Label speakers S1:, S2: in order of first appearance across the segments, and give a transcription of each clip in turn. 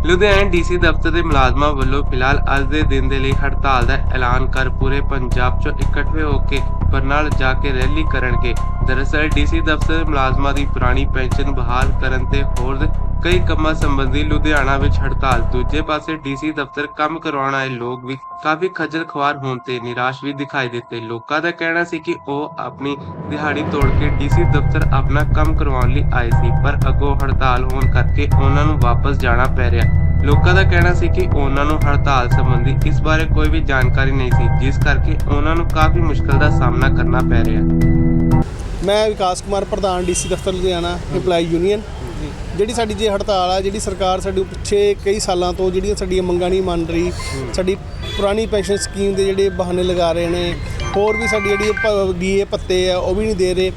S1: Ludhiana DC ਦਫ਼ਤਰ ਦੇ ਮੁਲਾਜ਼ਮਾਂ ਵੱਲੋਂ ਫਿਲਹਾਲ ਅੱਜ ਦੇ ਦਿਨ ਦੇ ਲਈ ਹੜਤਾਲ ਦਾ ਐਲਾਨ ਕਰ ਪੂਰੇ ਪੰਜਾਬ 'ਚੋਂ ਇਕੱਠੇ ਹੋ ਕੇ ਬਰਨਾਲਾ ਜਾ ਕੇ ਰੈਲੀ ਕਰਨਗੇ। ਦਰਅਸਲ ਡੀਸੀ ਦਫ਼ਤਰ ਦੇ ਮੁਲਾਜ਼ਮਾਂ ਦੀ ਪੁਰਾਣੀ ਪੈਨਸ਼ਨ ਬਹਾਲ ਕਰਨ ਤੇ ਹੋਰ ਕਈ ਕੰਮਾਂ ਸੰਬੰਧੀ ਲੁਧਿਆਣਾ ਵਿੱਚ ਹੜਤਾਲ। ਦੂਜੇ ਪਾਸੇ ਡੀਸੀ ਦਫ਼ਤਰ ਕੰਮ ਕਰਵਾਉਣ ਆਏ ਲੋਕ ਵੀ ਕਾਫੀ ਖੱਜਲ ਖੁਆਰ ਹੋਣ ਤੇ ਨਿਰਾਸ਼ ਵੀ ਦਿਖਾਈ ਦਿੱਤੇ। ਲੋਕਾਂ ਦਾ ਕਹਿਣਾ ਸੀ ਕਿ ਉਹ ਆਪਣੀ ਦਿਹਾੜੀ ਤੋੜ ਕੇ ਡੀਸੀ ਦਫ਼ਤਰ ਆਪਣਾ ਕੰਮ ਕਰਵਾਉਣ ਲਈ ਆਏ ਸੀ, ਪਰ ਅੱਗੋਂ ਹੜਤਾਲ ਹੋਣ ਕਰਕੇ ਉਹਨਾਂ ਨੂੰ ਵਾਪਸ ਜਾਣਾ ਪੈ ਰਿਹਾ। ਲੋਕਾਂ ਦਾ ਕਹਿਣਾ ਸੀ ਕਿ ਉਹਨਾਂ ਨੂੰ ਹੜਤਾਲ ਸੰਬੰਧੀ ਇਸ ਬਾਰੇ ਕੋਈ ਵੀ ਜਾਣਕਾਰੀ ਨਹੀਂ ਸੀ, ਜਿਸ ਕਰਕੇ ਉਹਨਾਂ ਨੂੰ ਕਾਫੀ ਮੁਸ਼ਕਲ ਦਾ ਸਾਹਮਣਾ ਕਰਨਾ ਪੈ ਰਿਹਾ।
S2: ਮੈਂ ਵਿਕਾਸ ਕੁਮਾਰ, ਪ੍ਰਧਾਨ ਡੀਸੀ ਦਫ਼ਤਰ ਲੁਧਿਆਣਾ ਇੰਪਲਾਈ ਯੂਨੀਅਨ। ਜਿਹੜੀ ਸਾਡੀ ਜੇ ਹੜਤਾਲ ਆ, ਜਿਹੜੀ ਸਰਕਾਰ ਸਾਡੇ ਪਿੱਛੇ ਕਈ ਸਾਲਾਂ ਤੋਂ ਜਿਹੜੀਆਂ ਸਾਡੀਆਂ ਮੰਗਾਂ ਨਹੀਂ ਮੰਨ ਰਹੀ, ਸਾਡੀ ਪੁਰਾਣੀ ਪੈਨਸ਼ਨ ਸਕੀਮ ਦੇ ਜਿਹੜੇ ਬਹਾਨੇ ਲਗਾ ਰਹੇ ਨੇ, ਹੋਰ ਵੀ ਸਾਡੀ ਜਿਹੜੀ ਡੀਏ ਭੱਤੇ ਆ ਉਹ ਵੀ ਨਹੀਂ ਦੇ ਰਹੇ।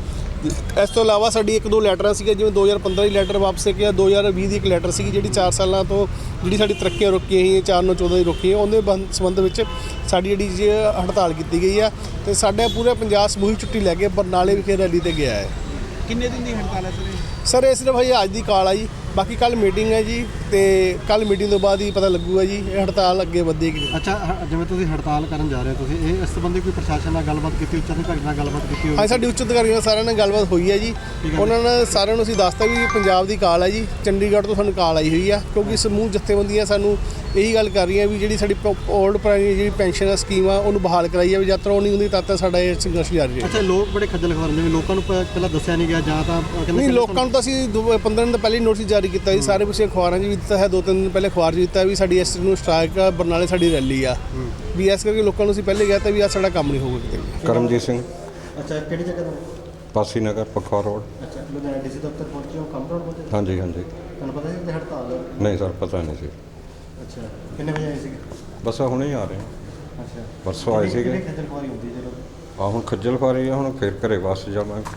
S2: ਇਸ ਤੋਂ ਇਲਾਵਾ ਸਾਡੀ ਇੱਕ ਦੋ ਲੈਟਰਾਂ ਸੀਗੀਆਂ, ਜਿਵੇਂ 2015 ਦੀ ਲੈਟਰ ਵਾਪਸ ਗਿਆ, 2020 ਦੀ ਇੱਕ ਲੈਟਰ ਸੀਗੀ ਜਿਹੜੀ 4 ਸਾਲਾਂ ਤੋਂ ਜਿਹੜੀ ਸਾਡੀ ਤਰੱਕੀਆਂ ਰੁਕੀਆਂ ਸੀ, 4/9/14 ਦੀ ਰੁਕੀਆਂ, ਉਹਦੇ ਸੰਬੰਧ ਵਿੱਚ ਸਾਡੀ ਜਿਹੜੀ ਹੜਤਾਲ ਕੀਤੀ ਗਈ ਆ। ਅਤੇ ਸਾਡਾ ਪੂਰਾ ਪੰਜਾਬ ਸਮੂਹਿਕ ਛੁੱਟੀ ਲੈ ਕੇ ਬਰਨਾਲੇ ਵਿਖੇ ਰੈਲੀ 'ਤੇ ਗਿਆ ਹੈ।
S3: ਕਿੰਨੇ ਦਿਨ ਦੀ ਹੜਤਾਲ ਹੈ
S2: ਸਰ ਇਹ ਸਿਰਫ ਹਜੇ ਅੱਜ ਦੀ ਕਾਲ ਆ ਜੀ, ਬਾਕੀ ਕੱਲ੍ਹ ਮੀਟਿੰਗ ਹੈ ਜੀ, ਅਤੇ ਕੱਲ੍ਹ ਮੀਟਿੰਗ ਤੋਂ ਬਾਅਦ ਹੀ ਪਤਾ ਲੱਗੂਗਾ ਜੀ ਇਹ ਹੜਤਾਲ ਅੱਗੇ ਵਧੇਗੀ।
S3: ਅੱਛਾ, ਜਿਵੇਂ ਤੁਸੀਂ ਹੜਤਾਲ ਕਰਨ ਜਾ ਰਹੇ ਹੋ, ਤੁਸੀਂ ਇਹ ਇਸ ਸੰਬੰਧੀ ਕੋਈ ਪ੍ਰਸ਼ਾਸਨ ਨਾਲ ਗੱਲਬਾਤ ਕੀਤੀ, ਉੱਚ ਅਧਿਕਾਰੀ ਨਾਲ ਗੱਲਬਾਤ ਕੀਤੀ ਹੋਈ?
S2: ਹਾਂ, ਸਾਡੀ ਉੱਚ ਅਧਿਕਾਰੀਆਂ ਨਾਲ ਸਾਰਿਆਂ ਨਾਲ ਗੱਲਬਾਤ ਹੋਈ ਹੈ ਜੀ। ਉਹਨਾਂ ਨੇ ਸਾਰਿਆਂ ਨੂੰ ਅਸੀਂ ਦੱਸਤਾ ਵੀ ਪੰਜਾਬ ਦੀ ਕਾਲ ਹੈ ਜੀ, ਚੰਡੀਗੜ੍ਹ ਤੋਂ ਸਾਨੂੰ ਕਾਲ ਆਈ ਹੋਈ ਆ, ਕਿਉਂਕਿ ਸਮੂਹ ਜਥੇਬੰਦੀਆਂ ਸਾਨੂੰ ਇਹੀ ਗੱਲ ਕਰ ਰਹੀਆਂ ਵੀ ਜਿਹੜੀ ਸਾਡੀ ਓਲਡ ਪੁਰਾਣੀ ਜਿਹੜੀ ਪੈਨਸ਼ਨ ਸਕੀਮ ਆ ਉਹਨੂੰ ਬਹਾਲ ਕਰਾਈ ਜਾਵੇ। ਜਦ ਤੱਕ ਉਹ ਨਹੀਂ ਹੁੰਦੀ ਤਦ ਤੱਕ ਸਾਡਾ ਇਹ ਸੰਘਰਸ਼ ਜਾਰੀ ਹੈ।
S3: ਅੱਛਾ, ਲੋਕ ਬੜੇ ਖੱਜਲ ਖੁਆਰ ਜਿਵੇਂ ਲੋਕਾਂ ਨੂੰ ਪਹਿਲਾਂ ਦੱਸਿਆ ਨਹੀਂ ਗਿਆ, ਜਾਂ ਤਾਂ
S2: ਨਹੀਂ, ਲੋਕਾਂ ਨੂੰ ਤਾਂ ਅਸੀਂ 15 ਦਿਨ ਪਹਿਲੇ ਨੋਟਿਸ ਜਾਰੀ ਕੀਤਾ ਜੀ, ਸਾਰੇ ਪਿੱਛੇ ਅਖਬਾਰਾਂ 'ਚ ਵੀ ਦਿੱਤਾ ਹੈ, 2-3 ਦਿਨ ਪਹਿਲੇ ਅਖਬਾਰ 'ਚ ਦਿੱਤਾ ਵੀ ਸਾਡੀ ਇਸ ਨੂੰ ਸਟ੍ਰਾਈਕ ਆ, ਬਰਨਾਲੇ ਸਾਡੀ ਰੈਲੀ ਆ ਵੀ, ਇਸ ਕਰਕੇ ਲੋਕਾਂ ਨੂੰ ਅਸੀਂ ਪਹਿਲੇ ਕਿਹਾ ਤਾਂ ਵੀ ਆ ਸਾਡਾ ਕੰਮ ਨਹੀਂ ਹੋਊਗਾ ਕਿਤੇ।
S4: ਕਰਮਜੀਤ ਸਿੰਘ,
S3: ਅੱਛਾ, ਕਿਹੜੀ ਜਗ੍ਹਾ ਤੋਂ?
S4: ਪਾਸੀ ਨਗਰ, ਪਖੌਰ ਰੋਡ।
S3: ਅੱਛਾ, ਲੁਧਿਆਣਾ ਡੀਸੀ ਦਫ਼ਤਰ ਪਹੁੰਚੇ ਹੋ, ਕੰਮ ਰੋਡ ਪਹੁੰਚੇ?
S4: ਹਾਂਜੀ ਹਾਂਜੀ।
S3: ਤੁਹਾਨੂੰ ਪਤਾ ਸੀ ਕਿ ਹੜਤਾਲ ਹੈ?
S4: ਨਹੀਂ ਸਰ, ਪਤਾ ਨਹੀਂ ਸੀ।
S3: ਅੱਛਾ, ਕਿੰਨੇ ਵਜੇ ਆਏ ਸੀਗੇ?
S4: ਬਸ ਹੁਣੇ ਹੀ ਆ ਰਹੇ ਹਾਂ।
S3: ਅੱਛਾ,
S4: ਪਰਸੋਂ ਆਏ ਸੀਗੇ।
S3: ਕਿੰਨੀ ਖੱਜਲ ਖੁਆਰੀ ਹੁੰਦੀ ਹੈ ਜਦੋਂ?
S4: ਹੁਣ ਖੱਜਲ ਖੁਆਰੀ ਆ, ਹੁਣ ਫਿਰ ਘਰੇ ਵਾਪਸ ਜਾਵਾਂਗੇ।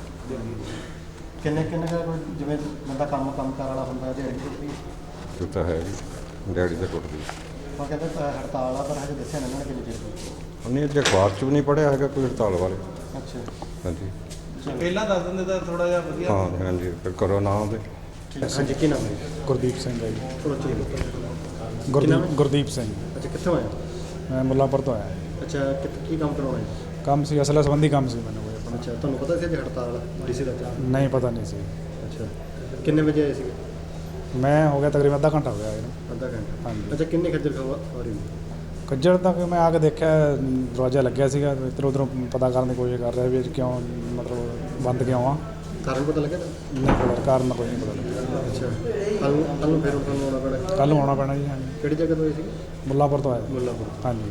S3: ਕਿੰਨੇ ਜਿਵੇਂ ਬੰਦਾ ਕੰਮ ਕਾਰ ਵਾਲਾ ਹੁੰਦਾ ਹੈ, ਦਿਹਾੜੀ ਟੁੱਟਦੀ
S4: ਇਹ ਤਾਂ ਹੈ ਜੀ, ਡੈਡੀ ਦੇ ਟੁੱਟਦੀ।
S3: ਉਹ ਕਹਿੰਦੇ ਹੜਤਾਲ ਆ, ਪਰ ਹਜੇ ਦੱਸਿਆ ਨਹੀਂ ਉਹਨਾਂ ਨੇ ਕਿੰਨੀ ਚਿਰ।
S4: ਉਹਨੇ ਅੱਜ ਅਖਬਾਰ 'ਚ ਵੀ ਨਹੀਂ ਪੜ੍ਹਿਆ ਹੈਗਾ ਕੋਈ ਹੜਤਾਲ ਬਾਰੇ।
S3: ਅੱਛਾ,
S4: ਹਾਂਜੀ
S3: ਪਹਿਲਾਂ ਦੱਸ ਦਿੰਦੇ ਤਾਂ ਥੋੜਾ ਜਿਹਾ ਵਧੀਆ।
S4: ਹਾਂ ਹਾਂਜੀ, ਫਿਰ ਕਰੋ ਨਾ ਉਹਦੇ।
S3: ਹਾਂਜੀ, ਕੀ ਨਾਮ ਹੈ?
S5: ਗੁਰਦੀਪ ਸਿੰਘ ਹੈ ਜੀ।
S3: ਥੋੜਾ ਚਲੋ।
S5: ਗੁਰਦੀਪ ਸਿੰਘ।
S3: ਅੱਛਾ, ਕਿੱਥੋਂ ਆਏ?
S5: ਮੈਂ ਮੁੱਲਾਂਪੁਰ ਤੋਂ ਆਇਆ।
S3: ਅੱਛਾ, ਕੀ ਕੰਮ ਕਰਾਉਣਾ ਹੈ?
S5: ਕੰਮ ਸੀ, ਅਸਲ ਸੰਬੰਧੀ ਕੰਮ ਸੀ ਮੈਨੂੰ ਕੋਈ ਆਪਣਾ।
S3: ਅੱਛਾ, ਤੁਹਾਨੂੰ ਪਤਾ ਸੀ ਕਿ ਹੜਤਾਲ ਡੀਸੀ ਦਾ?
S5: ਨਹੀਂ, ਪਤਾ ਨਹੀਂ ਸੀ।
S3: ਅੱਛਾ, ਕਿੰਨੇ ਵਜੇ ਆਏ ਸੀਗੇ?
S5: ਮੈਂ ਹੋ ਗਿਆ ਤਕਰੀਬਨ ਅੱਧਾ ਘੰਟਾ ਹੋ ਗਿਆ ਇਹਨੂੰ।
S3: ਅੱਧਾ ਘੰਟਾ?
S5: ਹਾਂਜੀ।
S3: ਅੱਛਾ, ਕਿੰਨੀ ਖੱਜਲ ਖੁਆਰੀ ਹੁੰਦੀ?
S5: ਕੱਜੜ ਤੱਕ ਮੈਂ ਆ ਕੇ ਦੇਖਿਆ ਦਰਵਾਜ਼ਾ ਲੱਗਿਆ ਸੀਗਾ, ਇੱਧਰ ਉੱਧਰੋਂ ਪਤਾ ਕਰਨ ਦੀ ਕੋਸ਼ਿਸ਼ ਕਰ ਰਿਹਾ ਵੀ ਕਿਉਂ ਮਤਲਬ ਬੰਦ ਕਿਉਂ ਆ।
S3: ਕਾਰਨ ਪਤਾ ਲੱਗਿਆ?
S5: ਨਹੀਂ ਪਤਾ, ਕਾਰਨ ਕੋਈ ਨਹੀਂ ਪਤਾ ਲੱਗਿਆ।
S3: ਅੱਛਾ, ਕੱਲ੍ਹ ਨੂੰ ਫਿਰ ਤੁਹਾਨੂੰ ਆਉਣਾ ਪੈਣਾ?
S5: ਕੱਲ੍ਹ ਨੂੰ ਆਉਣਾ ਪੈਣਾ ਜੀ। ਹਾਂਜੀ।
S3: ਕਿਹੜੀ ਜਗ੍ਹਾ ਤੋਂ ਆਏ ਸੀ?
S5: ਮੁੱਲਾਂਪੁਰ ਤੋਂ ਆਇਆ।
S3: ਮੁੱਲਾਂਪੁਰ।
S5: ਹਾਂਜੀ।